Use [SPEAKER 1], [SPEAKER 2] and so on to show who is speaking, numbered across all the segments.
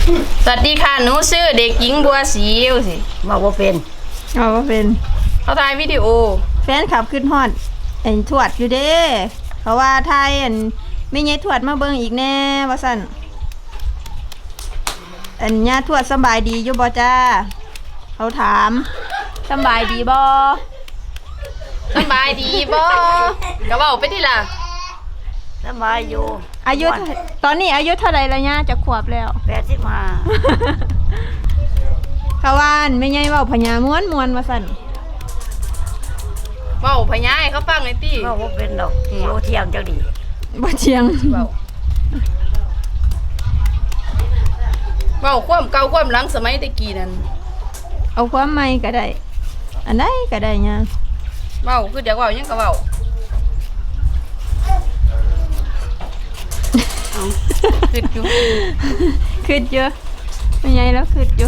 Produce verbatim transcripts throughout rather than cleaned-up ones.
[SPEAKER 1] สวัสดีค่ะหนูชื่อเด็กหญิงบัวศรีสิ
[SPEAKER 2] มาบ่เป็น
[SPEAKER 3] เอาว่าเป็น
[SPEAKER 1] เขาถ่ายวิดีโอ
[SPEAKER 3] แฟนขับขึ้นฮอดเอ็นทวดอยู่เด้เขาว่าไทยอันไม่ไงทวดมาเบิ่งอีกแน่ว่าสั่นอันญาทวดสบายดีอยู่บ่จ้าเขาถามสบายดีบ่
[SPEAKER 1] สบายดีบ่ก็เว้าไปทีล่ะ
[SPEAKER 2] สบายอยู่
[SPEAKER 3] อายุตอนนี้อายุเท่าไหร่แล้วญาจะขวบแล้ว
[SPEAKER 2] แปดสิบห้า
[SPEAKER 3] เขาว่าไม่ไงเว้าพญาม้วนมวนว่าสั่น
[SPEAKER 1] เว้าพญาให้เขาฟังหน่อยติ
[SPEAKER 2] เว้าบ่เป็นดอกโลเที่ยงจังดี
[SPEAKER 3] บ่เที่ยง
[SPEAKER 1] เว้าเว้าความเก่าความหลังสมัยตะกี้นั่น
[SPEAKER 3] เอาความใหม่ก็ได้อันใดก็ได้ญา
[SPEAKER 1] เว้าคือเดี๋ยวเว้ายังก็เว้าคิดอยู่
[SPEAKER 3] คิดอยู่ไม่ไงแล้วคิดอยู่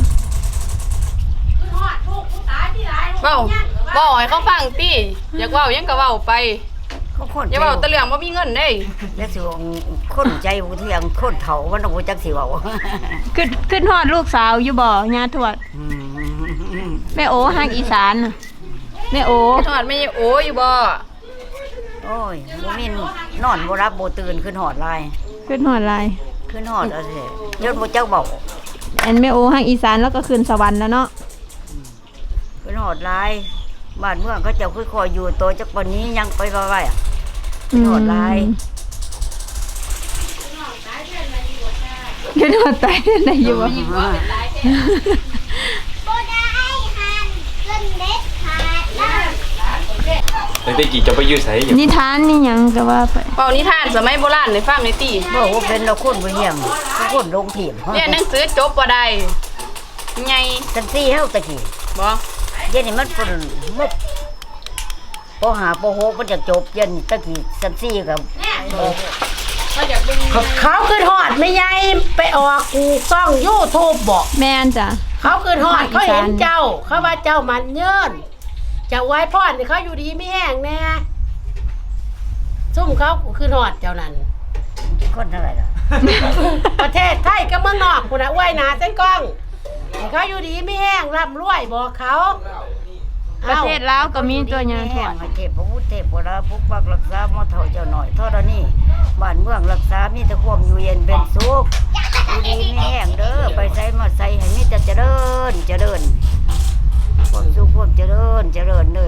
[SPEAKER 1] เว้าเว้าให้เขาฟังติอยากเว้ายังก็เว้าไป
[SPEAKER 2] เขาคน
[SPEAKER 1] อย่าเว้าแตะเรื่องบ่มีเงินเด้
[SPEAKER 2] แล้วสิคนใจบ่เที่ยงคนเฒ่ามันบ่จักสิเว้า
[SPEAKER 3] ขึ้นขึ้นฮอดลูกสาวอยู่บ่ญาทวดแม่โอฮักอีสานแม่โอ
[SPEAKER 1] ทอดแม่โออยู่บ่
[SPEAKER 2] โอ้ยบ่มีนอนบ่รับบ่ตื่นขึ้นฮอดลาย
[SPEAKER 3] ขึ้นฮอดลาย
[SPEAKER 2] ขึ้นฮอดเอาสิยศบ่จักเว้า
[SPEAKER 3] อันแม่โอฮักอีสานแล้วก็ขึ้นสวรรค์แล้วเนาะ
[SPEAKER 2] ขึ้นฮอดลายบ้านเมืองเขาเจ้าคือคอยอยู่โตจักปานนี้ยังไปไว้อ่ะขึ้นฮอดลาย
[SPEAKER 3] ขึ้นฮอดตายได้อยู่บ่
[SPEAKER 4] ตั้งแต่กี่จะไปยืดใส่
[SPEAKER 3] นิทานนี่ยังก็ว่าไป
[SPEAKER 1] เป่านิทานสมัยโบราณในฟังในตี
[SPEAKER 2] บอกว่าเป็นเราคนบ่เฮียงคนลงถีบ
[SPEAKER 1] เนี่ยหนังสือจบบ่ได้ไง
[SPEAKER 2] จังซี่เฮาตะกี้
[SPEAKER 1] บ่
[SPEAKER 2] เย็นนี่มันเพิ่นมุกปอห้าปอหกมันจะจบเย็นตะกี้จังซี่กับ
[SPEAKER 5] เขาขึ้นฮอดไม่ใหญ่ไปออกกูซ่อง YouTube บ่
[SPEAKER 3] แม่นจ้ะ
[SPEAKER 5] เขาขึ้นฮอดเขาเห็นเจ้าเขาว่าเจ้ามันเยินจะไว้พรเขาอยู่ดีไม่แห้งแน่ซุ่มเขาคือหอดเจ้านั้น
[SPEAKER 2] คนเท่าไหร่ล่ะ
[SPEAKER 5] ประเทศไทยก็เมืองนอกคุณนะอ้วยนาเส้นกล้องเขาอยู่ดีไม่แห้งร่ำรวยบอกเขา
[SPEAKER 3] ประเทศลาวก็มีตัวอย่าง
[SPEAKER 2] แห้งเทพพระพุทธเทพโบราณปกปักรักษาหม้อเฒ่าเจ้าหน่อยเท่านี้บ้านเมืองรักษามีแต่ความอยู่เย็นเป็นสุขอยู่ดีไม่แห้งเด้อไปใส่มาใส่ให้มีแต่เจริญเจริญความสุขความเจริญเจริญเลย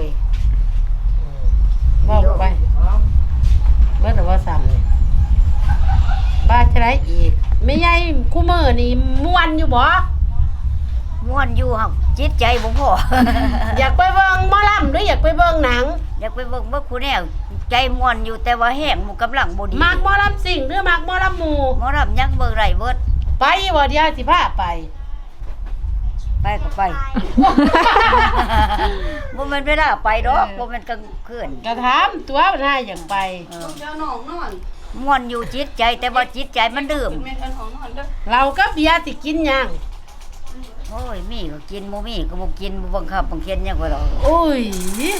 [SPEAKER 5] บอกไปเมื่อไหร่ว่าซ้ำเลยบ้าจะไรอีกไม่ใหญ่คู่มือนี่ม้วนอยู่บ่
[SPEAKER 2] ม้วนอยู่ครับจิตใจบ่พอ
[SPEAKER 5] อยากไปเบิ่งหมอลำหรืออยากไปเบิ่งหนัง
[SPEAKER 2] อยากไปเบิ่งบ่คู่แนวใจม้วนอยู่แต่ว่าแห้งกำลังบ่ดี
[SPEAKER 5] มักหมอลำสิ่งหรือมักหมอลำหมู่
[SPEAKER 2] หมอลำยังเบิ่งไรเบิด
[SPEAKER 5] ไปบ่เดียวสิพาไป
[SPEAKER 2] ไปก็ไปบ่แม่นเวลาไปดอกบ่แม่นกลางคืน
[SPEAKER 5] ก็ถามตัวมันให้อย่างไป
[SPEAKER 1] เจ้าน้องนอน
[SPEAKER 2] ม่วนอยู่จิตใจแต่ว่าจิตใจมันดื่ม
[SPEAKER 5] เราก็เบียร์สิกินหยัง
[SPEAKER 2] โอ้ยมีก็กินบ่มีก็บ่กินบ่บังคับบังเคียนหยังก็ดอก
[SPEAKER 5] โอ้ย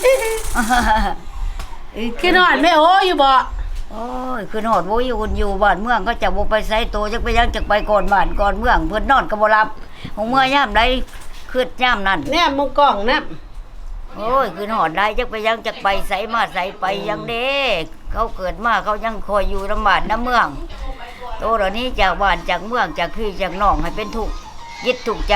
[SPEAKER 5] คือนอนแม่โออยู่บ่
[SPEAKER 2] โอ้ยคือนอนบ่อยู่อยู่บ้านเมืองก็จะบ่ไปไสโตจักไปยังจักไปก่อนบ้านก่อนเมืองเพิ่นนอนก็บ่หลับของเมื่อยามใดคืดยามนั้น
[SPEAKER 5] แน่มึงกล้องนะ
[SPEAKER 2] โอ้ยคือนอนได้จักไปยังจักไปไสมาไสไปยังเด้เขาเกิดมาเขายังคอยอยู่ลำบากน้ำเมืองโตเหล่านี้จากบ้านจากเมืองจากพี่จากน้องให้เป็นทุกข์ยึดทุกข์ใจ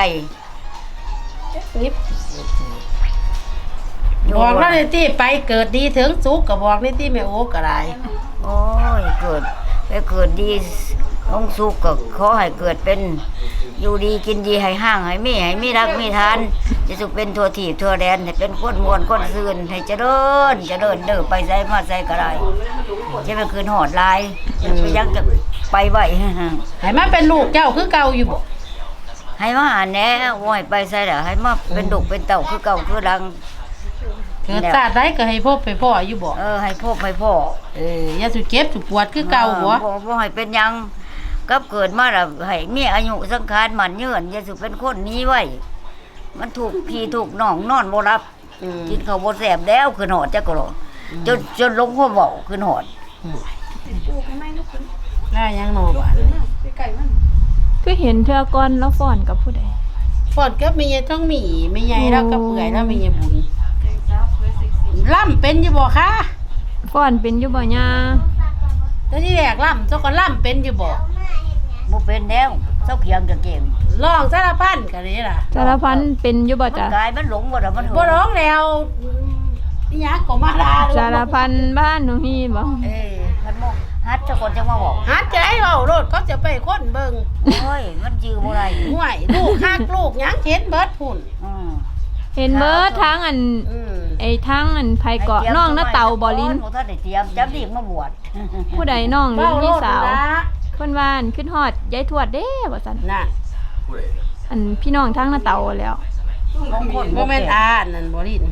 [SPEAKER 5] บอกแล้วนี่ที่ไปเกิดดีถึงสุขก็บอกนี่ที่แม่โอ้ก็ได้
[SPEAKER 2] โอ้ยเกิดไปเกิดดีองสุขก็ขอให้เกิดเป็นอยู่ดีกินดีให้ห้างให้มีให้มีรักมีทานจะสุขเป็นทั่วที่ทั่วแดนให้เป็นคนมวลคนซื่นให้เจริญเจริญเด้อไปใส่มาใส่ก็ได้จะเป็นคืนหอดลายไปยังจะไปไหว
[SPEAKER 5] ให้มาเป็นลูกเจ้าคือเก่าอยู่บ่
[SPEAKER 2] ให้มาหาแหน่โอ้ยไปใส่ละให้มาเป็นดุเป็นเต่าคือเก่าคือดัง
[SPEAKER 5] เกิดชาติใดก็ให้พบไปพ่ออยู่บ่
[SPEAKER 2] เออให้พบให้พ่อ
[SPEAKER 5] เอออย่าสุเจ็บสุปวดคือเก่าบ่
[SPEAKER 2] บ่บ่ให้เป็นยังกับเกิดมาแล้วให้มีอายุสังขารมันยืนอย่าสุเป็นคนนี้ไว้มันถูกพี่ถูกน้องนอนบ่รับกินข้าวบ่แซ่บแล้วคือหอดจักก็จนจนลงหัวเว้าคือหอด
[SPEAKER 5] แล้วยังนอบ้าน
[SPEAKER 3] คือเห็นเทื่อก่อนแล้วฟ้อนกับผู้ใด
[SPEAKER 5] ฟอนก็มีทั้งหมีไม่ใหญ่แล้วก็เปื่อยแล้วมีบุญล่ำเป็นอยู่บ่คะ
[SPEAKER 3] ฟ้อนเป็นอยู่บ่ย่า
[SPEAKER 5] แล้วที่แรกล่ำเจ้าก็ล่ำเป็นอยู่บ่
[SPEAKER 2] บ่เป็นแล้วเจ้าเขียงจะเก่ง
[SPEAKER 5] ร้องสารพันกันนี่ล่ะ
[SPEAKER 3] สารพันเป็นอยู่บ่
[SPEAKER 2] มัน
[SPEAKER 3] จ้ะ
[SPEAKER 2] กลายมันหลงบ่ล่ะมัน
[SPEAKER 5] บ่ร้องแล้วนี่ยักก็มาลา
[SPEAKER 3] สารพันบ้านหนูฮีบ่
[SPEAKER 5] เออ
[SPEAKER 2] มันมองฮัดเจ้าคนจังมาบอก
[SPEAKER 5] หัดใจเว้ารถเขาจะไปคนเบิ่ง
[SPEAKER 2] โอ้ยมันยื้อบ่ได้
[SPEAKER 5] ห่วยลูกฮักลูกหยังเห็นเบิดพุ่น
[SPEAKER 2] อืม
[SPEAKER 3] เห็นเบิดทางอัน
[SPEAKER 5] อืม
[SPEAKER 3] ไอ้ทางอันไผเกาะน้องน้าเต่าบ่ลิ้น
[SPEAKER 2] บ่ทันได้เตรียมจำดีมาบวช
[SPEAKER 3] ผู้ใดน้องหรือ
[SPEAKER 5] เว้าโล
[SPEAKER 3] พี่
[SPEAKER 5] ด
[SPEAKER 3] สาว
[SPEAKER 5] นะ
[SPEAKER 3] เพิ่นว่าอันขึ้นฮอดยายทวดเด้ว่าซั่น
[SPEAKER 5] น่ะ
[SPEAKER 3] อันพี่น้องทางน้าเต่าแล้ว
[SPEAKER 2] บางคน
[SPEAKER 5] บ่แม่นอานั่นบ่ลิ้น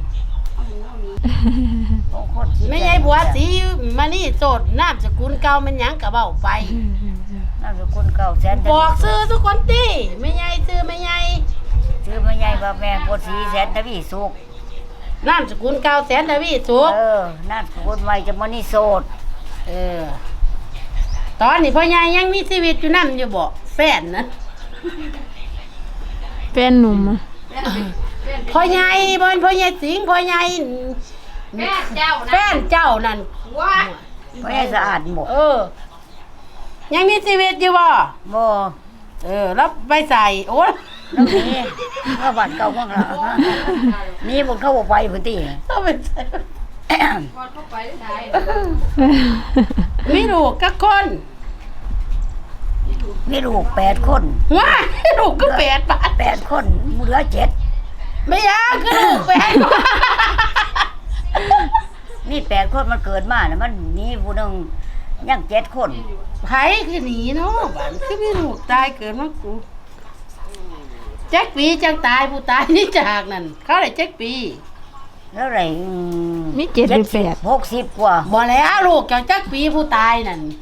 [SPEAKER 2] บางคนคิด
[SPEAKER 5] ไม่ใช่บัวสีมานี่โสดนามสกุลเก่ามันหยังก็เว้าไป
[SPEAKER 2] นามสกุลเก่าแสน
[SPEAKER 5] บอกซื้อทุกคนติไม่ใหญ่ซื้อไม่ใหญ่
[SPEAKER 2] ชื่อแม่ใหญ่ว่าแม่บ่สีแสนทวีสุข
[SPEAKER 5] นามสกุลเก่าแสนทวีสุข
[SPEAKER 2] เออนามสกุลใหม่จะมานี่โสด
[SPEAKER 5] เออ ตอนนี้พ่อใหญ่ยังมีชีวิตอยู่นั่นอยู่บ่แฟนนะ
[SPEAKER 3] แฟนหนุ่มอะ
[SPEAKER 5] พ่อใหญ่บ่เป็นพ่อใหญ่สิงห์พ่อใหญ่แฟนเจ้าแฟนเจ้านั่นว้า
[SPEAKER 2] บ่ให้สะอาดหมด
[SPEAKER 5] เออ ยังมีชีวิตอยู่บ่
[SPEAKER 2] บ่
[SPEAKER 5] เออแล้วไปใส่โอ้ย
[SPEAKER 2] แล้วนี่ก็บ้านเก่าของเรานี่บ่เข้าบ่ไปพุ่นติ
[SPEAKER 5] ต้องไปใส่มีลูกกักคน
[SPEAKER 2] มีลูกแปดคน
[SPEAKER 5] ว้ายลูกก็แปดบาท
[SPEAKER 2] แปดคนเหลือเจ็ด
[SPEAKER 5] ไม่ยากก็ลูกแปดบาท
[SPEAKER 2] นี่แปดคนมันเกิดมาน่ะมันหนีผู้หนึงยังเจ็ดคน
[SPEAKER 5] ไผคือหนีเนาะบ้านคือมีลูกตายเกิดมากูแจ็คปีจังตายผู้ตายนี่จากนั่นเขาได้แจ็คปี
[SPEAKER 2] แล้วไร
[SPEAKER 3] มีเจ็ดหรือแปด
[SPEAKER 2] หกสิบกว่า
[SPEAKER 5] บ่แล้วลูกเจ้าแจ็คปีผู้ตายนั่น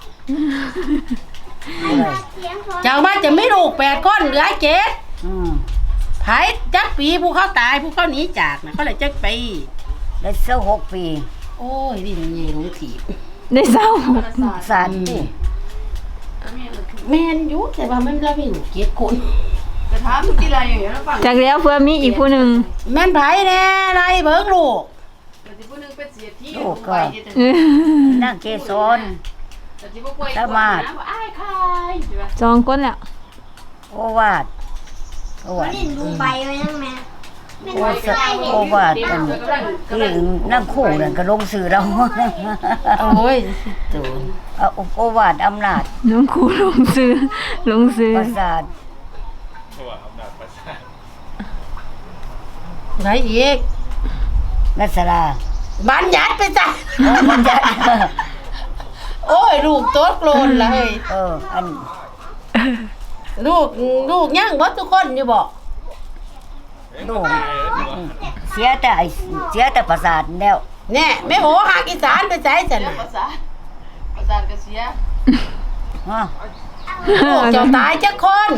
[SPEAKER 2] อะไร
[SPEAKER 5] เจ้ามาจะไม่ลูกแปดคนเหลือเจ็ด
[SPEAKER 2] อืม
[SPEAKER 5] ไผแจ็คปีผู้เขาตายผู้เขาหนีจากน่ะเขาได้แจ็คปี
[SPEAKER 2] ได้เสียหกปี
[SPEAKER 5] โอ้ยนี่มันใหญ่หลงถีบ
[SPEAKER 3] ได้เศร้า
[SPEAKER 2] สารนี่
[SPEAKER 5] แม่นอยู่แต่ว่ามันเรามีลูกเจ็ดคน
[SPEAKER 3] จากแล้วเพื่อมีอีกผู้หนึ่ง
[SPEAKER 5] แม่นไผแน่ไรเบิ่งลูก
[SPEAKER 2] ลูกก็นั่งเกสรสมาด
[SPEAKER 3] สองคนแล้ว
[SPEAKER 2] โอวาดโอวาด
[SPEAKER 6] ดูใบไว้นั่งแม่
[SPEAKER 2] โอสโอวาดอันที่นั่งคู่นั่นก็ลงสื่อเรา
[SPEAKER 5] โอ้ยตูน
[SPEAKER 2] เอาโอวาดอำนาจ
[SPEAKER 3] น้องครูลงซื้อลงซื้อ
[SPEAKER 2] ประสาท
[SPEAKER 5] ไหนอีก
[SPEAKER 2] นัสรา
[SPEAKER 5] บัญญัติไปจ้ะ
[SPEAKER 2] โอ้มันจะ
[SPEAKER 5] โอ้ยลูกโต๊ดโกรนเลย
[SPEAKER 2] เอออัน
[SPEAKER 5] ลูกลูกยังบ่ทุกคนอยู่บ่
[SPEAKER 2] ลูกเสียแต่ไอ้เสียแต่ประสาทแล้ว
[SPEAKER 5] แน่แม่โหหากอีสานไปใส่จังน่ะ
[SPEAKER 2] ฮะ
[SPEAKER 5] ลูกเจ้าตายจักคน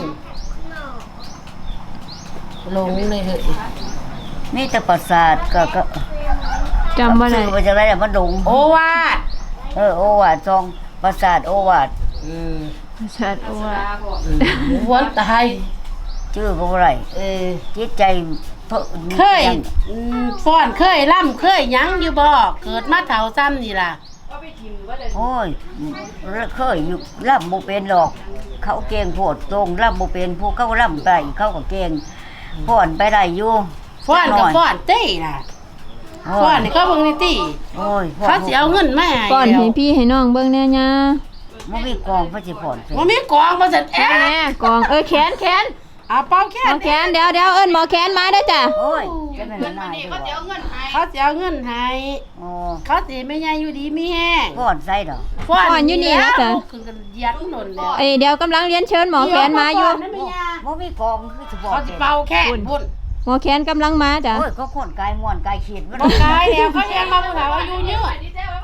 [SPEAKER 5] ลงเลยเฮ้ย
[SPEAKER 2] มีแต่ประสาทก็ก็
[SPEAKER 3] จำบ่ได้
[SPEAKER 2] ชื่อว่าจะไรแต่มันดง
[SPEAKER 5] โอวาท
[SPEAKER 2] เออโอวาทซองประสาทโอวาท
[SPEAKER 5] อืม
[SPEAKER 3] ชัดว่า
[SPEAKER 5] วันตาย
[SPEAKER 2] ชื่อก็บ่ไร
[SPEAKER 5] เออ
[SPEAKER 2] จิตใจเพิ่น
[SPEAKER 5] เคยอืมฟ้อนเคยล่ำเคยหยังอยู่บ่เกิดมาเฒ่าซ้ำนี่ล่ะ
[SPEAKER 2] โอ้ยเคยอยู่ร่ำบ่เป็นหรอก เขาเก่งโพดตรงร่ำบ่เป็นผู้เขาร่ำไปเขาก็เก่งฟ้อนไปได้อยู่
[SPEAKER 5] ฟ้อนกับฟ้อนเต้น่ะ
[SPEAKER 2] โอ้
[SPEAKER 5] ฟ้อน
[SPEAKER 2] ย
[SPEAKER 5] นี่เขาเบิ่งนี่ติ
[SPEAKER 2] โอ้ย
[SPEAKER 5] เขาสิเอาเงินมาให้
[SPEAKER 3] ป้อน
[SPEAKER 5] แล้ว
[SPEAKER 3] ให้พี่ให้น้องเบิ่งแน่ย่า
[SPEAKER 2] บ่มีกองพระสิฟ้อนเป็น
[SPEAKER 5] บ่มีกองบ่ซั่นแอ
[SPEAKER 3] แม่กองเออแขนแขน
[SPEAKER 5] เอาเป่าแค่
[SPEAKER 3] หมอแขนเดี๋ยวเดี๋ยวเอิ้นหมอแขนมาเด้อจ้ะ
[SPEAKER 2] โอ้ยจะเป็นมันนายด้วยวะ
[SPEAKER 5] เขาสิเอาเงินให้
[SPEAKER 2] โอ้
[SPEAKER 5] เขาสิไม่ใหญ่อยู่ดีมีแห้ง
[SPEAKER 2] ฟ้อนใส่ดอก
[SPEAKER 5] ฟ้อนอยู่นี่นะจ๊ะคือกันเหยัดหล่นแล้ว
[SPEAKER 3] เอ้ยเดี๋ยวกำลังเรียนเชิญหมอแขนมาอยู่
[SPEAKER 5] นั่นไม่ยา
[SPEAKER 2] บ่มีกองคือสิฟ้อน
[SPEAKER 5] เขาสิ
[SPEAKER 2] เป็น
[SPEAKER 5] เป่าแค่พุ่น
[SPEAKER 3] หมอแขนกำลังมาจ้ะ
[SPEAKER 2] โอ้ยก็คนกายม่วนกายขีดมัน
[SPEAKER 5] บ่กายแล้วเขายังมาผู้เฒ่าอายุยืน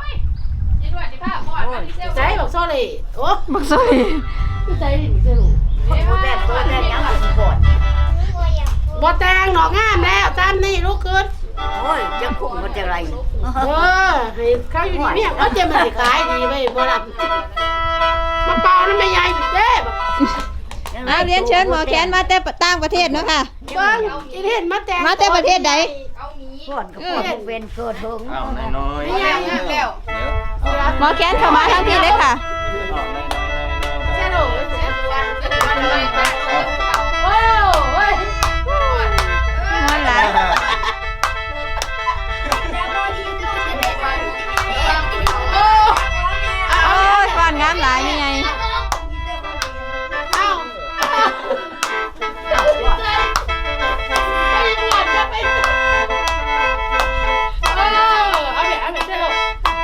[SPEAKER 5] ใจบอกโซเลยโอ้
[SPEAKER 3] บักซอย
[SPEAKER 5] ใจดิเจ้าลูก
[SPEAKER 2] ผู้แต่งตัวแต่งหยังก็สิฟ้อน
[SPEAKER 5] บ่แต่งหนอกงามแล้วตามนี่ลูกขึ้น
[SPEAKER 2] โอ้ยจะคุ้มมันจะไร
[SPEAKER 5] เออให้เขาอยู่ดีเมียเขาจะมาขายดีไว้บ่รับมาเป่านั่นไม่ใหญ่เด้
[SPEAKER 2] ยัง
[SPEAKER 3] อ่าเรียนเชิญหมอแคนมาแต่ต่างประเทศเนาะค่ะ
[SPEAKER 5] เบิ่งอีเห็นมาแต่ง
[SPEAKER 3] มาแต่ประเทศใด
[SPEAKER 2] ก่อนก็ปวดเป็นเกิดเถิง
[SPEAKER 4] อ้าวน้อย
[SPEAKER 5] ไม่ยังแล้ว
[SPEAKER 4] ๆเดี๋ยว
[SPEAKER 3] หมอแคนเข้ามาทั้งที่เลยค่ะ
[SPEAKER 5] แค่โดดเสียวันวันเลยโอ้ย
[SPEAKER 3] นอนหลายโอ้ยก่อนงามหลายนี่ไง
[SPEAKER 5] เอ้าจะไปเออเอาเดี๋ยวเอาเดี๋ยวเดี๋ยว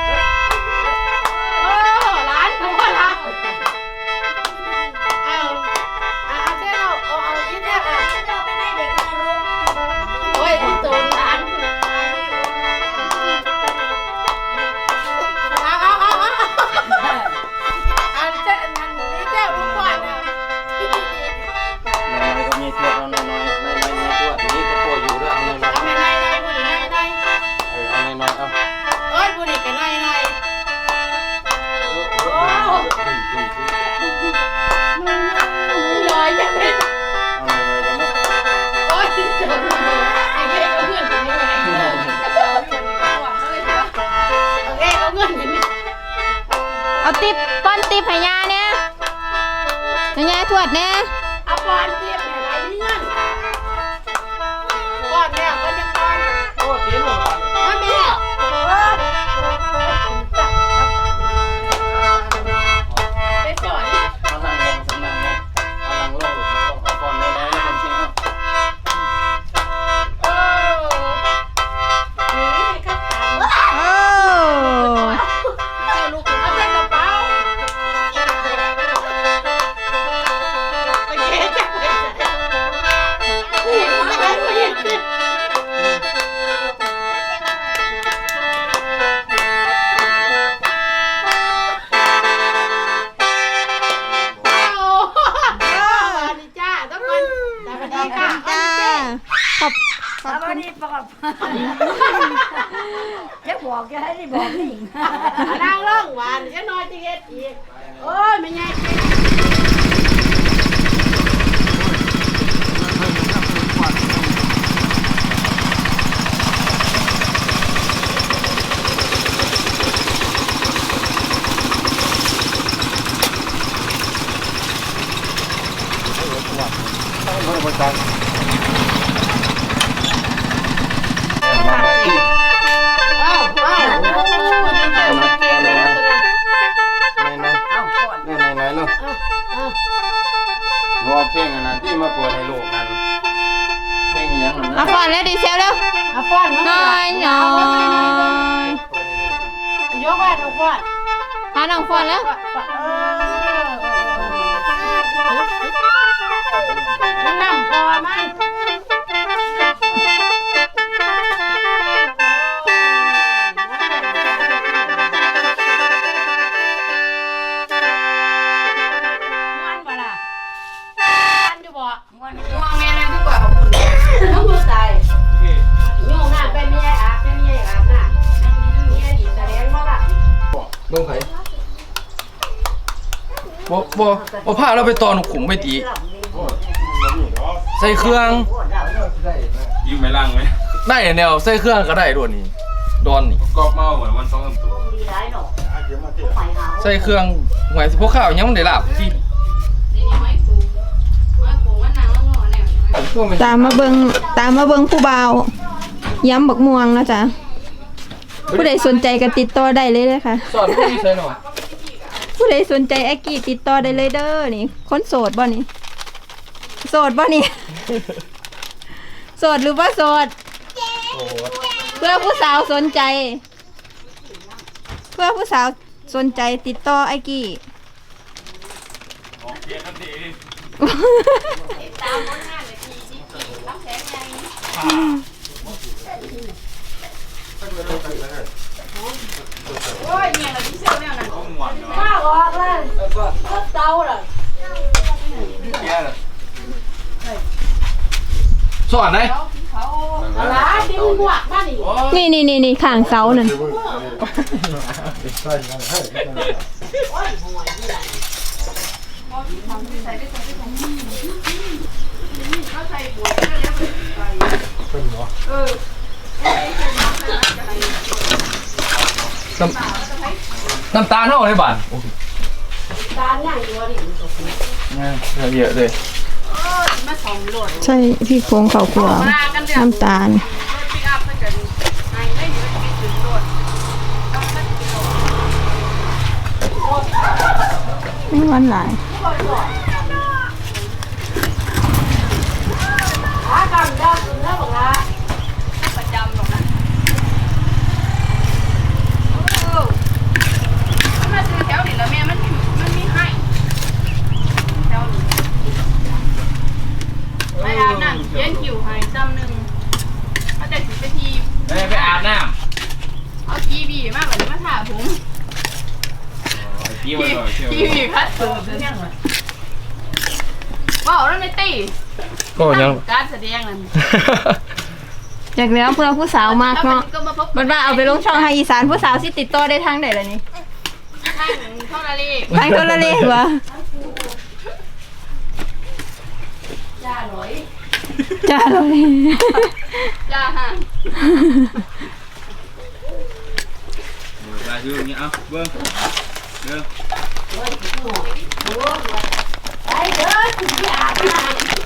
[SPEAKER 5] โอ้ร้านเขาก็ร้านเอาเอาเจ้าเอาเอาที่เจ้าเอาโอ้ยที่ตัวร้านเอาเอาเอาเอาเอาเจ้านั่นนี่เจ้ารู้ก่อนนะ
[SPEAKER 4] น้อยๆก็มีตัวเอาน้อยๆน้อยๆมีตัวนี้ก็พออยู่ด้วยเอาน้อย
[SPEAKER 5] เอาไม่ได้ได้บุหรี่ได้ได้
[SPEAKER 4] ๆเออเอาน้อยๆเอา
[SPEAKER 5] เอ้ยบุหรี่กันได้ได้โอ้ลอยจะเป็น
[SPEAKER 4] เอาน้อยๆเอาน้อย
[SPEAKER 5] โอ้ยเจอไอ้เงี้ยเอาเงินอย่างนี้ไงโอเคเอาเงินอย่างนี้
[SPEAKER 3] เอาติบป้อนติบให้ยาเนี่ยให้ยาทวดเนี่ย
[SPEAKER 5] เอาปอนเทียบเนี่ยไหนมีเงินก้อนแล้วก็จะก้อน
[SPEAKER 4] ๆโอ้เสียหมด
[SPEAKER 5] ไม่มีไปสอน
[SPEAKER 4] เอานั่งลงสำนักลงเอานั่งลงเอาก่อนน้อยๆแล้วมันเชียว
[SPEAKER 5] โอ้นี่ให้ข้าวสาร
[SPEAKER 3] โอ้
[SPEAKER 5] เอาลูกเอาใส่กระเป๋าไปเก็บจับไปใส่เห็นไหมเห็นไหมโอ้โหสวัสดีจ้าทุกคนสวัสดีค่ะ
[SPEAKER 3] จ้าขอบข
[SPEAKER 2] ส
[SPEAKER 3] อบ
[SPEAKER 2] วั
[SPEAKER 3] คุ
[SPEAKER 2] ส
[SPEAKER 3] ณ
[SPEAKER 2] ดีปอบจะบอกจะให้ได้บอกนี่
[SPEAKER 5] นางร้องหวานจะน้อยจะเฮ็ดอีกโอ้ยไม่ไง อ้าวอ้าวโอ้ยดีใจมากเก่งเลยนะตัวนั้น
[SPEAKER 4] น้อย
[SPEAKER 2] เอาก่อน
[SPEAKER 4] ๆเนี่ยน้อยๆลูก
[SPEAKER 5] อ้าวอ้าว
[SPEAKER 4] รอเพลงอันนั้นที่มาเปิดให้ลูกนั่นเพลงอหยังนั่น
[SPEAKER 3] เอา
[SPEAKER 4] นะ
[SPEAKER 3] ก่อนแล้วดีเซลแล้ว
[SPEAKER 5] เอาฟ้อนมา
[SPEAKER 3] น้อยน้อย
[SPEAKER 5] ยกว่าเอาฟ้อน
[SPEAKER 3] พาน้องฟอนแล้ว
[SPEAKER 5] เออมันนำพอมันม่วนบ่ล่ะม่วนอยู่บ่
[SPEAKER 2] ม่วน
[SPEAKER 1] ง่วงแม่นั่นดีกว่าขอบคุณ
[SPEAKER 5] น้องมือตายโยมน้ำไปไม่ใช่อาบไม่ใช่อาบน้ำไม่ใช่ดีแสดงว่าล่ะ
[SPEAKER 6] เบิ่งไผบ่บ่บ่พาเราไปตอนขุมไปตีใส่เครื่อง
[SPEAKER 4] ยิ้มไม่ล่างไหม
[SPEAKER 6] ได้แนวใส่เครื่องก็ได้ด้วยนี่ดอนนี่
[SPEAKER 4] กรอบเมาเหมือนวันสองสามตัว
[SPEAKER 2] ดีร้ายหนอไปหา
[SPEAKER 6] ใส่เครื่องหวยสิพวกข้าวยังมันได้ลาบที่
[SPEAKER 1] นี่นี่ไม้ปูไม้ปูมันนางแล้วงอแนว
[SPEAKER 6] พวกมัน
[SPEAKER 3] ตามมาเบิงตามมาเบิงผู้บ่าวย้ำบักม่วงนะจ๊ะผู้ใดสนใจก็ติดต่อได้เลยเลยค่ะ
[SPEAKER 6] สอนผู้ใส่หน่อย
[SPEAKER 3] ผู้ใดสนใจแอคกี้ติดต่อได้เลยเด้อนี่คนโสดบ่นี่โสดบ่นี่ โสดหรือว่าโสด
[SPEAKER 6] โอ้โห
[SPEAKER 3] เพื่อผู้สาวสนใจ เพื่อผู้สาวสนใจติดต่อไอกี้
[SPEAKER 4] โอเคกันดี
[SPEAKER 1] ตามผลงานเลยทีที่ที่รับแสงไง โอ้ยเนี่ยเราที่เซลเนี่ยนะ
[SPEAKER 4] ต้องหวานเนาะ
[SPEAKER 5] ข้าวออกเลยรถเตาเลย
[SPEAKER 6] สอนไหน
[SPEAKER 5] อะไรที่มึงหวักมานี่
[SPEAKER 3] นี่นี่นี่นี่ข้างเสานั่น
[SPEAKER 1] ใส่ไปใส่ไปของ
[SPEAKER 6] น้ำน้ำตาลเท่าไหร่บาท
[SPEAKER 5] ตาย่างอยู่ว่าดิ
[SPEAKER 6] เนี่ยเยอะเลย
[SPEAKER 3] ใช่พี่โครงเขาครัวน้ำตาลไม่หวานหลาย
[SPEAKER 5] หากำได้ถึงแล้วบอกละ
[SPEAKER 1] ประจำหรอกนะมาซื้อแถวนี้แล้วแม่มันมันมีให้แถวนี้ไปอาบน้ำเย็นคิวให้จำหนึ่งเขาจะสิไปที
[SPEAKER 4] ไปไปอาบน้
[SPEAKER 1] เอากีบีมากกว่านี้มาถ่าผม
[SPEAKER 4] ำพี่วันหน่อยเชียว
[SPEAKER 1] กีบีคัดเสิร์ฟเลยเนี่ยว้าวแล้วไม่ตี
[SPEAKER 6] ก็ยัง
[SPEAKER 1] การแสดงนั่น
[SPEAKER 3] จากแล้วเพื่อผู้สาวมากเนาะ
[SPEAKER 1] ก็มาพบ
[SPEAKER 3] มันว่าเอาไปลงช่องไฮอีสานผู้สาวสิติดต่อได้ทางไหนล่ะนี่
[SPEAKER 1] ทางเท่าไรเลย
[SPEAKER 3] ทางโทรเลขวะ
[SPEAKER 1] จ้าหน่อย
[SPEAKER 3] จ้าเลย
[SPEAKER 1] จ้าฮะ
[SPEAKER 4] ลายชื่ออย่างเงี้ยเอาเบิ้งเบิ้ง
[SPEAKER 5] ไปเด้อถึงที่อาบน้ำ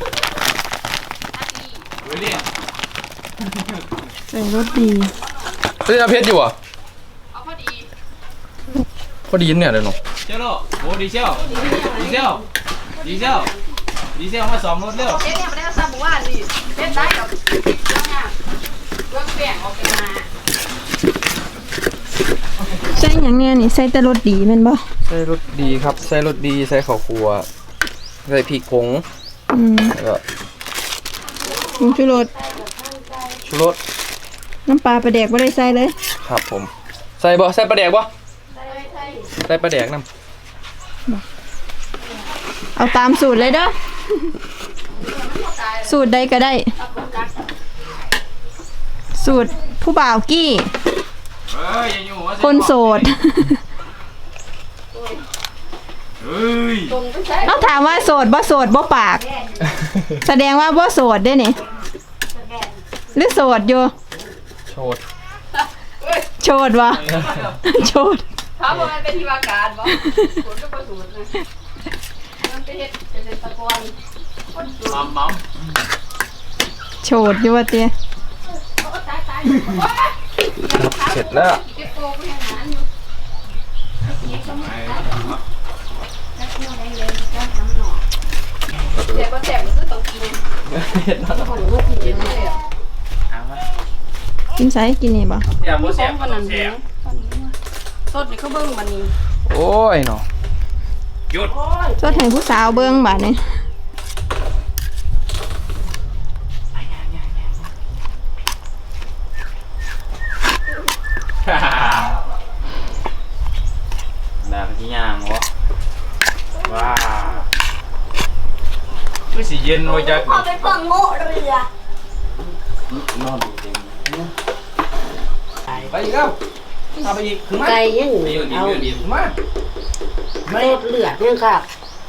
[SPEAKER 4] เว้ยเนี่ย
[SPEAKER 3] ใส่รถดี
[SPEAKER 6] เฮ้ยเพชรอยู่อ่ะ
[SPEAKER 1] เอาพอดี
[SPEAKER 6] พอดีเนี่ยเลยเนาะ
[SPEAKER 4] เจ้าโลโอ้ดีเซลดีเซลดีเซลดีเซลมาสอมรถเร็ว
[SPEAKER 1] เจ๊เนี่ยไม่ได้เอาซาบุว่าสิเจ๊ได้กับเรื่องงานเรื่องแบ่งออกกันมา
[SPEAKER 3] ใส่อย่างเนี้ยนี่ใส่แต่รถดีแม่นบ่
[SPEAKER 6] ใส่รสดีครับใส่รสดีใส่ข้าวคั่วใส่พริกผง
[SPEAKER 3] อืม
[SPEAKER 6] แล้วก็
[SPEAKER 3] ผงชูรส
[SPEAKER 6] ชูรส
[SPEAKER 3] น้ำปลาปลาแดกบ่ได้ใส่เลย
[SPEAKER 6] ครับผมใส่บ่ใส่ปลาแดกบ่ใส่ปลาแดกน้
[SPEAKER 3] เอาตามสูตรเลยเด้อสูตรใดก็ได้ สูตรผู้บ่าวกี้
[SPEAKER 4] เฮ้ยอย่าอยู่ว่า
[SPEAKER 3] คนโสด
[SPEAKER 4] เฮ้ย
[SPEAKER 3] เอาถามว่าโสดบ่โสดบ่ปาก แสดงว่าบ่โสดเด้นี่หรือโสดอยู่
[SPEAKER 6] ำโชด
[SPEAKER 3] โชดวะ โชด
[SPEAKER 1] ถามว่ามันเป็นที่ว่าการบ่สูตรก็บ่สูตรนะมันเป็นเฮ็ดเป็นตะกอนคนสูตร
[SPEAKER 4] มัมมัม
[SPEAKER 3] โชดอยู่ว่าเตี้ย
[SPEAKER 1] ตายตาย
[SPEAKER 6] เสร็จแล้ว
[SPEAKER 1] เก็บโกไปหาอยู่เจ็บก็เจ็บมันก็ต้องกิน
[SPEAKER 6] เห็ดแล้ว
[SPEAKER 1] กินเลยอ่ะ
[SPEAKER 4] เอามา
[SPEAKER 3] กินไสกินนี่บ่
[SPEAKER 4] เสียบบ่เสียบ
[SPEAKER 1] วันนั้น
[SPEAKER 4] เสียบ
[SPEAKER 1] สดนี่เขาเบิ่งวันนี้
[SPEAKER 6] โอ้ยเนาะ
[SPEAKER 4] หยุด
[SPEAKER 3] สดให้ผู้สาวเบิ่งบาดนี้
[SPEAKER 4] ดาบที่ย่างวะว้าไม่สิเย็นว่าจัก
[SPEAKER 2] เอาไปฟังโง่เรือ
[SPEAKER 6] ไปอีกแล้วเอาไปอีกถึงมา
[SPEAKER 5] ไก่ยัง
[SPEAKER 4] ไปอยู่ดี
[SPEAKER 5] เอา
[SPEAKER 4] อยู่ดี
[SPEAKER 6] ถึงมา
[SPEAKER 5] เลือดเลือดยังค่ะ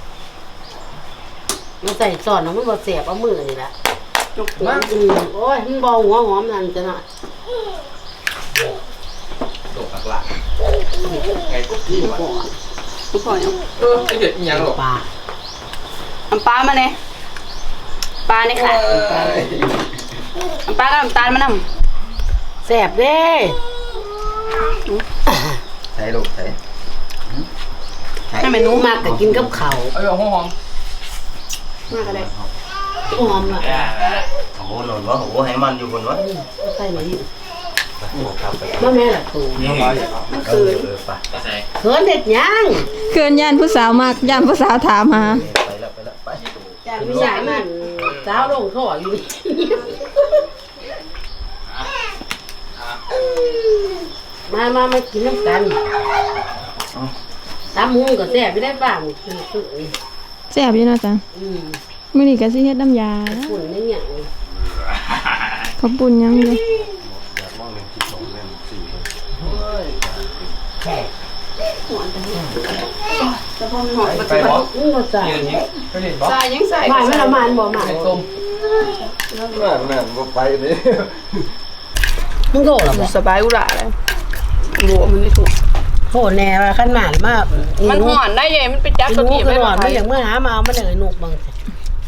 [SPEAKER 5] มันใส่ซอนมันบ่เสียบเอามือนี่แหละจุกหัวอืมโอ้ยมันบ่หัวหอมนั่นจะน่ะ
[SPEAKER 6] โดดหลักๆไก่กุ๊กกี้วะ
[SPEAKER 1] ทุกคน
[SPEAKER 6] เออไอเด็ดอีหยังหรอ
[SPEAKER 5] ปลา
[SPEAKER 1] น้ำปลามาเลยปลาเนี่ยค่ะน้ำปลากับน้ำตาลมานำ
[SPEAKER 5] แซ่บเด้
[SPEAKER 6] ใส่ลูกใส่
[SPEAKER 1] ให้เมนู
[SPEAKER 5] มากก็กินกับข้าว
[SPEAKER 6] เอาหอมหอม
[SPEAKER 1] มากเลย
[SPEAKER 5] หอมล่ะ
[SPEAKER 7] โอ้โหหล่นวะโอ้โหให้มันอยู่บนวะ
[SPEAKER 5] ใส่หน่อยมาแม่ล่ะตู
[SPEAKER 7] นี่ไงเออเออไป
[SPEAKER 4] ก็ใส่
[SPEAKER 5] เขินเด็ดยัง
[SPEAKER 3] เกินย่านผู้สาวมากย่านผู้สาวถามหา
[SPEAKER 7] ไปแล้วไปแล้วไป
[SPEAKER 5] แต่ไม่ใช่มันสาวลงท่ออยู่นี่มามามากินน้ำกันตามมุงก็แซ่บไม่ได้บ้างคือคือ
[SPEAKER 3] แซ่บอยู่เนาะจ้ะ
[SPEAKER 5] อืม
[SPEAKER 3] มื้อนี้ก็สิเฮ็ดน้ำยา
[SPEAKER 5] ฝุ่นนี่อย่าง
[SPEAKER 3] ข้าวปุ้นยังเลย
[SPEAKER 1] จะพอมหอม
[SPEAKER 6] ไปบ่
[SPEAKER 5] มึงก็ใส่
[SPEAKER 6] ไปเล่นบ่
[SPEAKER 1] ใส่ยังใส่
[SPEAKER 5] หมายมันละมันบ่หมาย
[SPEAKER 6] ใส่ส้ม
[SPEAKER 7] นั่นนั่นบ่ไปนี่
[SPEAKER 5] มึงโทษหรอบ่
[SPEAKER 1] สบายอุระเลยบัวมันไม่ถูก
[SPEAKER 5] โทษแน่ว่าขั้นหมานมาก
[SPEAKER 1] มันห่อนได้ยังมันไปจับ
[SPEAKER 5] กิน
[SPEAKER 1] ตัว
[SPEAKER 5] หมู
[SPEAKER 1] ที่
[SPEAKER 5] ขึ้
[SPEAKER 1] ไม่
[SPEAKER 5] นหอ
[SPEAKER 1] มาน
[SPEAKER 5] ไม่อย่างเมื่อหามาเอามันเหนื่อยหนุกบางสิ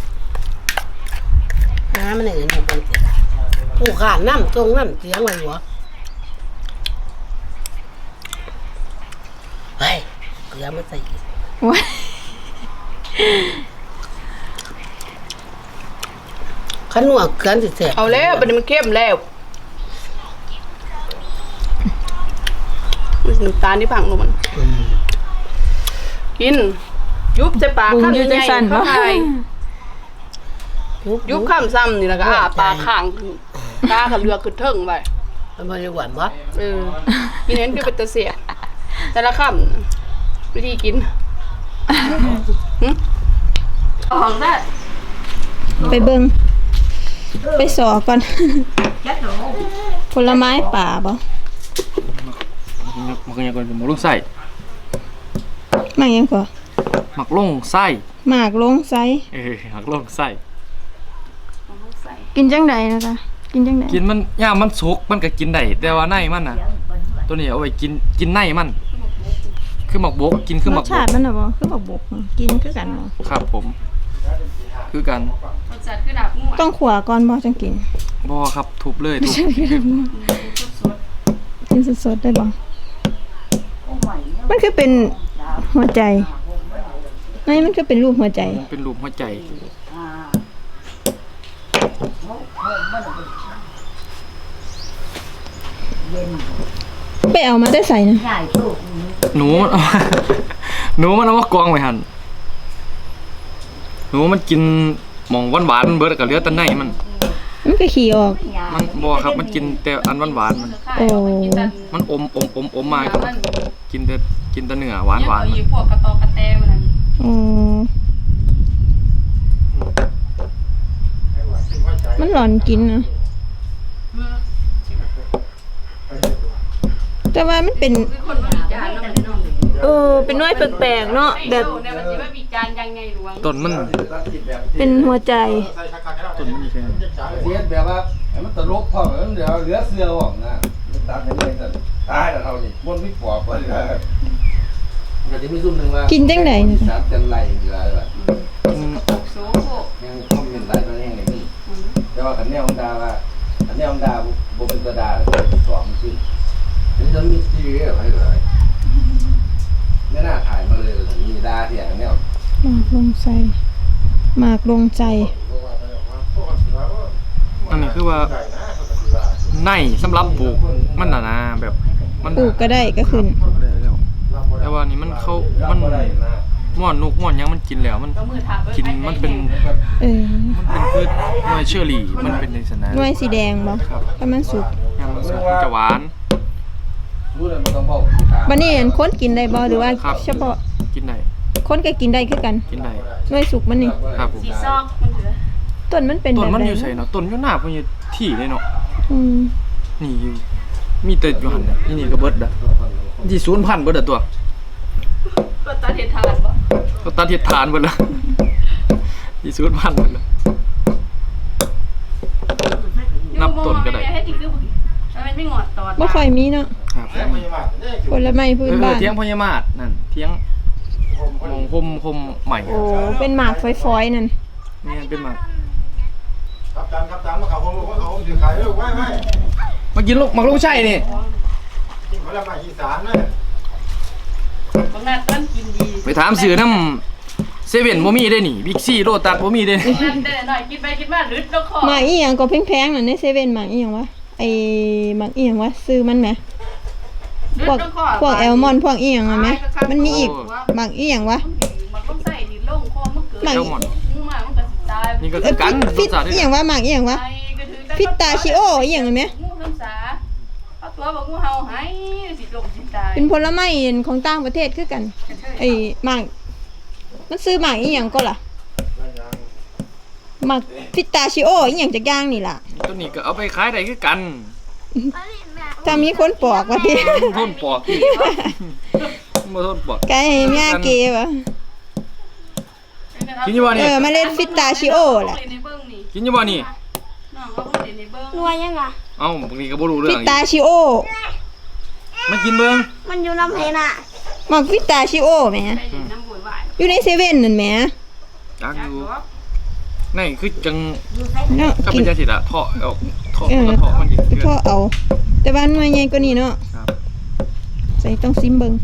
[SPEAKER 5] หามันเหนื่อยหนุกบางสิผู้ขานน้ำตรงน้ำเสียงอะไรหัวเฮ้ยเกลือมาใส่อีก
[SPEAKER 3] ว้าย
[SPEAKER 5] ขันหนวกเกลือสิเสีย
[SPEAKER 1] เอาแล้วบัดนี้มันเข้มแล้วน้ำตาลที่ผังลงมันกินยุบจะปาก
[SPEAKER 3] บุง
[SPEAKER 1] ข้าง
[SPEAKER 3] อยู่จัง
[SPEAKER 1] ใหญ่
[SPEAKER 3] ซั่น
[SPEAKER 1] ๆ
[SPEAKER 3] บ่
[SPEAKER 1] เข้าไปยุบข้ามซ้ำนี่แล้วก็อ้าปากข้างตาขับเรือขึ้นเทิงไป
[SPEAKER 5] มันบริหวานบ่
[SPEAKER 1] เออกินเน้นคือเป็นตะเสียแต่ละคำวิธีกินหึของได้
[SPEAKER 3] ไปเบิ่งไปสอก่อน ผลไม้ป่าบ่
[SPEAKER 6] มันก็ยังก่อนหมักลงไส้
[SPEAKER 3] มากยังกว่า
[SPEAKER 6] หมักลงไส้
[SPEAKER 3] หมากลงไซ
[SPEAKER 6] เออหมักลงไส้
[SPEAKER 3] กินจังใดนะคะกินจังใด
[SPEAKER 6] กินมันย่ามมันสุกมันก็กินได้แต่ว่าในมันน่ะ ตัวนี้เอาไว้กินกินในมัน คือหมักบกกินคือ
[SPEAKER 3] ร
[SPEAKER 6] หมั
[SPEAKER 3] ส
[SPEAKER 6] กบ
[SPEAKER 3] ชาก ติมันน่ะบ่คือบักบกกินคือกันบ่
[SPEAKER 6] ครับผม คือกัน
[SPEAKER 1] รสชาติคือดาบงู
[SPEAKER 3] ต้องขัวก่อนบ่จังกิน
[SPEAKER 6] บ่ครับทุบเลยทุบ
[SPEAKER 3] กินสดๆได้บ่มันคือเป็นหัวใจไม่มันคือเป็นรูปหัวใจ
[SPEAKER 6] เป็นรูปหัวใจ
[SPEAKER 3] ไปเอามาได้ใส่นะ
[SPEAKER 6] หนูมันเอา หนูมันเอามากองไว้หั่นหนูมันกินหม่องหวานๆเบิดก็เหลือแต่ในมัน
[SPEAKER 3] มันก็ขี่ออก
[SPEAKER 6] มันบ่ครับมันกินแต่อันหวานๆมัน
[SPEAKER 3] โอ้
[SPEAKER 6] มันอมอมอมอมมาก็กินแต่กินแต่เนื้อหวานหวาน
[SPEAKER 1] เอาอีพวกกระตอกกระแตมันนั่น
[SPEAKER 3] อ๋อมันหลอนกินนะแต่ว่ามันเป็น
[SPEAKER 1] คือคนมาวิจารณ์เนาะมันเนาะ
[SPEAKER 3] เออเป็นน้อยแปลกๆเนาะแบบ
[SPEAKER 1] ในวันที่ว่าวิจารณ์ยังไงหลวง
[SPEAKER 6] ต้นมัน
[SPEAKER 3] เป็นหัวใจ
[SPEAKER 6] ต้นมันอยู่แค่นั้น
[SPEAKER 7] เสียแบบว่าให้มันตลกพอมันเดี๋ยวเหลือเสื้อออกนะมันตัดให้เลยกันตายแล้วเท่านี้บนวิปอบไปเลยก็จะมีซุ่มหนึ่งว่า
[SPEAKER 3] กินจังใดนะ
[SPEAKER 7] สามจังไรเหลือแบบ
[SPEAKER 6] อืม
[SPEAKER 1] สูงพวก
[SPEAKER 7] ยังคอมเมนต์หลายตัวแห่งเลยนี่แต่ว่าขันแนวของดาว่าขันแนวของดาบุเป็นตัวดาสองขึ้นนี่จะมีทีวีอะไรเลยไม่น่าถ่ายมาเลยมีดาเที่ยงแนว
[SPEAKER 3] หมากลงใจหมากลงใจ
[SPEAKER 6] อันนี้คือว่าในสำหรับปลูกมันน่ะนะแบบมัน
[SPEAKER 3] ปลูกก็ได้ก็ขึ้น
[SPEAKER 6] ได้แล้วแต่ว่านี่มันเข้ามันม่อนนกม่อนหยังมันกินแล้วมันกินมันเป็น
[SPEAKER 3] เออ
[SPEAKER 6] มันเป็นพืชหน่วยเชอรี่มันเป็นในสนาม
[SPEAKER 3] หน่วยสีแดงบ่ถ้ามันสุก
[SPEAKER 6] ยามมันสุกมันจะหวาน
[SPEAKER 7] รู้เลยมันต้องบอก
[SPEAKER 3] บัดนี้อันคนกินได้บ่หรือว่า
[SPEAKER 6] ครับ
[SPEAKER 3] เฉพาะ
[SPEAKER 6] กินได้
[SPEAKER 3] คนก็กินได้คือกัน
[SPEAKER 6] กินได้
[SPEAKER 3] หน่วยสุกมันนี่
[SPEAKER 6] ครับผม
[SPEAKER 1] สีซอกมันเหลือ
[SPEAKER 3] ต้นมันเป็น
[SPEAKER 6] ต้
[SPEAKER 3] แบ
[SPEAKER 6] น
[SPEAKER 3] บ
[SPEAKER 6] มัน
[SPEAKER 3] ใด
[SPEAKER 6] อยู่ไสเนาะต้นอยู่หน้าเพิ่นอยู่ที่เลยเนาะ
[SPEAKER 3] อืม
[SPEAKER 6] นี่อยู่มีแต่อยู่หั่นน่ะนี่นี่ก็เบิดอ่ะที่ศูนย์พันธุ์เบิดอ่ะตัว
[SPEAKER 1] ก็ตาเททานบ่
[SPEAKER 6] ก็ตัดเฮ็ดทานเบิดละที่ศูนย์พันธุ์เบิดละนับต้นก็ได้
[SPEAKER 1] ให้กินคือมันไม่งอดตอด
[SPEAKER 3] บ่ค่อยมีเนาะ
[SPEAKER 6] ครับ
[SPEAKER 3] ผลไม้พื้น
[SPEAKER 6] เออ
[SPEAKER 3] บ้าน
[SPEAKER 6] เทียงพญามาศนั่นเทียงมองคมคมใหม่
[SPEAKER 3] โอ้เป็นหมากฝอยๆนั่น
[SPEAKER 6] นี่เป็นหมาก
[SPEAKER 8] ครับจานครับจานมาเขาผมว่าเขาผมถือขายลูกไว้ไว้
[SPEAKER 6] มากินลูกหมักลูกใช่นี่
[SPEAKER 8] กินผลไม้อีสานนะ
[SPEAKER 1] บางนัดมันกินดี
[SPEAKER 6] ไปถามสื่อน้ำเซเว่นบ่มีได้นี่บิ๊กซีโรตัสบ่มีได้นี่
[SPEAKER 1] นั่นแต่หน่อยกินไปกินมาลึดแล้วคอ
[SPEAKER 3] หมากอีหยังก็แพงๆน่ะในเซเว่นหมากอีหยังวะไอ้หมากอีหยังวะซื้อมันแหม พวกพวกแอลมอนด์พวกอีหยังอ่ะแหมมันมีอีกหมากอีหยังวะ
[SPEAKER 1] มันต้องใส่ดินลงคอมันเกิด
[SPEAKER 3] หมาก
[SPEAKER 6] เจ้าหมอน
[SPEAKER 1] มึงมามันก็สิตาย
[SPEAKER 6] นี่ก็
[SPEAKER 3] เอ
[SPEAKER 6] คือ อกัน
[SPEAKER 3] ฟิต
[SPEAKER 6] รสชาติ
[SPEAKER 3] อีหยังวะหมากอีหยังวะ
[SPEAKER 1] ไอ้ก็ถือได้
[SPEAKER 3] ฟิตตาชิโออีหยังอ่ะแหม
[SPEAKER 1] งูน้ำสาเอาตัวบอกงูเห่าให้สิลงสิตาย
[SPEAKER 3] เป็นผลไม้ของต่างประเทศคือกันไอ้หมากมันซื้อหมากอีหยังก็ล่ะหมากฟิตตาชิโออีหยังจักอย่างนี่ล่ะ
[SPEAKER 6] ตัวนี้ก็เอาไปขายได้คือกัน
[SPEAKER 3] ถ้ามีคนปอกว่าติ
[SPEAKER 6] ทนปอกอีกบ่ทนปอก
[SPEAKER 3] ไก่แม่เกวะ
[SPEAKER 6] กินอยู่บ่
[SPEAKER 3] เอ
[SPEAKER 6] นี่
[SPEAKER 3] อเมล็ดฟิตตาชิโอแหละ
[SPEAKER 1] ในเบิ่งนี่
[SPEAKER 6] กินอยู่บ่นี่
[SPEAKER 1] น้องเขาบ่ได้ในเบิ่ง
[SPEAKER 9] นัวยังอ่ะ
[SPEAKER 6] เอ้าบางทีก็บ่รู้เรื่
[SPEAKER 3] ฟิ
[SPEAKER 6] องอี
[SPEAKER 3] ตาก ชิโอ
[SPEAKER 6] มากินเบิ่ง
[SPEAKER 9] มันอยู่น้ำเพน่ะ
[SPEAKER 3] หมักฟิตาชิโอแหม
[SPEAKER 1] ไปเล่นน้ำบุญหวาน
[SPEAKER 3] อยู่ในเซเว่นนั่นแหม
[SPEAKER 6] จัก
[SPEAKER 1] จั
[SPEAKER 6] อก ยู่
[SPEAKER 1] ดอก
[SPEAKER 6] นี่คือจัง
[SPEAKER 3] เนาะ
[SPEAKER 6] ก็
[SPEAKER 3] กิ
[SPEAKER 6] เป็น นจังซี่ล่ะเถาะเอาเถาะ
[SPEAKER 3] เออ
[SPEAKER 6] คนละเถาะมันกิน
[SPEAKER 3] ไป
[SPEAKER 6] เพื่
[SPEAKER 3] พ่อ
[SPEAKER 6] อน
[SPEAKER 3] เอา แต่ว่าหน่วยใหญ่กว่านี้เนาะ
[SPEAKER 6] ครับ
[SPEAKER 3] ใส่ต้องซิมเบิ่ง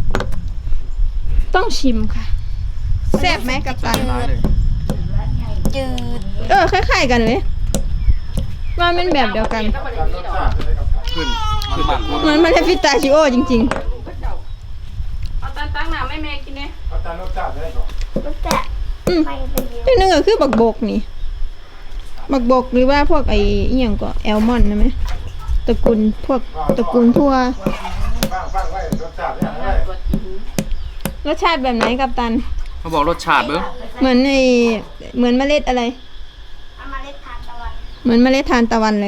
[SPEAKER 3] ต้องชิมค่ะแซ่บไหมกับตัน
[SPEAKER 6] ร้ายเลย
[SPEAKER 9] จืด
[SPEAKER 3] เออคล้ายๆกันเลย ว่ามันแบบเดียวกัน
[SPEAKER 1] ก็บ่ได้มีดอก
[SPEAKER 6] ขึ้นขึ้นแบบ
[SPEAKER 3] เหมือนมันเป็นฟิตาชิโอจริง
[SPEAKER 1] เอาตันตั้งน้ำให้แม่กินเด้
[SPEAKER 8] ครับจานรสชาติได้ก่อน
[SPEAKER 9] รู้แต่
[SPEAKER 3] ๆอืม
[SPEAKER 9] ไปไปเดียว
[SPEAKER 3] ที่นึงก็คือบักบกนี่ บักบกหรือว่าพวกไอ้อีหยังก็แอลมอนด์นะไหมตระกูลพวกตระกูลทั่ว
[SPEAKER 8] ฟังฟังไว้รสชาติได้ไหม
[SPEAKER 1] ตัวกิน
[SPEAKER 3] รสชาติแบบไหนกับตัน
[SPEAKER 6] เขาบอกรสชาติเบิ่ง
[SPEAKER 3] เหมือนไอ้เหมือนเมล็ดอะไร
[SPEAKER 9] เอามาเล็ดทานตะวัน
[SPEAKER 3] เหมือนเมล็ดทานตะวันเลย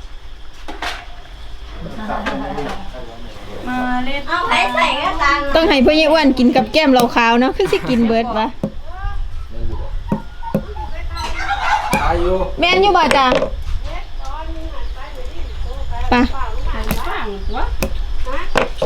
[SPEAKER 1] มาเล่น
[SPEAKER 9] เอาไผ่ใส่ก็ตัน
[SPEAKER 3] ต้องให้พ่อเยอ้วนกินกับแก้มเราขาวเนาะคือสิกินเบิร์ดวะ
[SPEAKER 7] ตายอยู่
[SPEAKER 3] แม่นอยู่บ่จ้าปะ
[SPEAKER 1] ข้างหัว